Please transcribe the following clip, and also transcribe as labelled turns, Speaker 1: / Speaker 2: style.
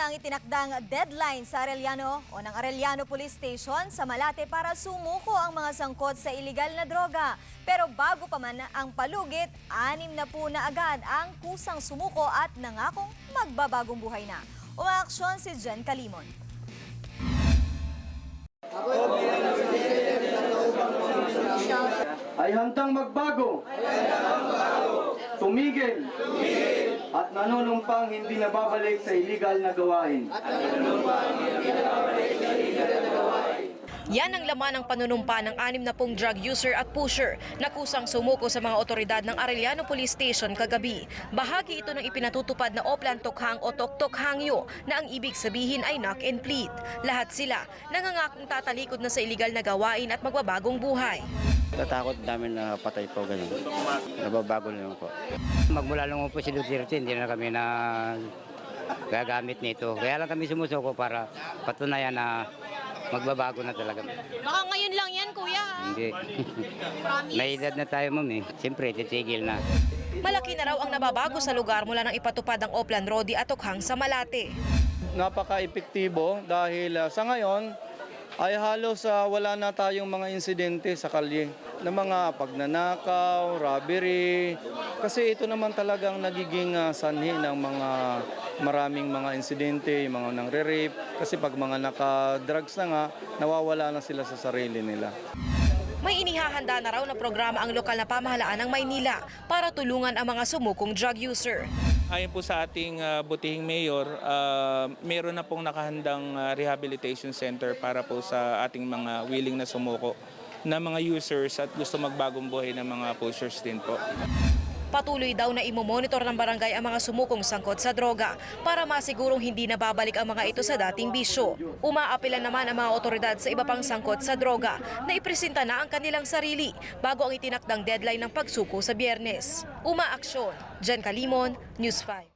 Speaker 1: na ang itinakdang deadline sa Arellano o ng Arellano Police Station sa Malate para sumuko ang mga sangkot sa iligal na droga. Pero bago pa man ang palugit, 6 na po na agad ang kusang sumuko at nangakong magbabagong buhay na. Umaaksyon si Jen Calimon.
Speaker 2: Ay handang magbago, tumigil, at nanunumpang hindi nababalik sa iligal na gawain.
Speaker 3: Yan ang laman ng panunumpa ng 60 drug user at pusher na kusang sumuko sa mga otoridad ng Arellano Police Station kagabi. Bahagi ito ng ipinatutupad na Oplan Tokhang o Tok-Tok Hangyo na ang ibig sabihin ay knock and plead. Lahat sila nangangakong tatalikod na sa iligal na gawain at magbabagong buhay.
Speaker 4: Tatakot namin na patay po ganun. Nababago naman po. Magmula lang po si Duterte, hindi na kami na gagamit nito. Kaya lang kami sumusuko para patunayan na magbabago na talaga.
Speaker 3: Baka ngayon lang yan, kuya.
Speaker 4: Hindi. May edad na tayo, ma'am eh. Siyempre, titigil na.
Speaker 3: Malaki na raw ang nababago sa lugar mula nang ipatupad ang Oplan Rodi at Tokhang sa Malate.
Speaker 2: Napaka-epektibo dahil sa ngayon ay halos wala na tayong mga insidente sa kalye na mga pagnanakaw, robbery. Kasi ito naman talagang nagiging sanhi ng mga maraming mga insidente, yung mga nangre-rape. Kasi pag mga naka-drugs na nga, nawawala na sila sa sarili nila.
Speaker 3: May inihahanda na raw na programa ang lokal na pamahalaan ng Maynila para tulungan ang mga sumukong drug user.
Speaker 5: Ayon po sa ating butihing mayor, meron na pong nakahandang rehabilitation center para po sa ating mga willing na sumuko na mga users at gusto magbagong buhay ng mga pushers din po.
Speaker 3: Patuloy daw na imomonitor ng barangay ang mga sumukong sangkot sa droga para masigurong hindi na babalik ang mga ito sa dating bisyo. Umaapila naman ang mga otoridad sa iba pang sangkot sa droga na ipresenta na ang kanilang sarili bago ang itinakdang deadline ng pagsuko sa Biyernes. Umaaksyon, Jen Calimon, News 5.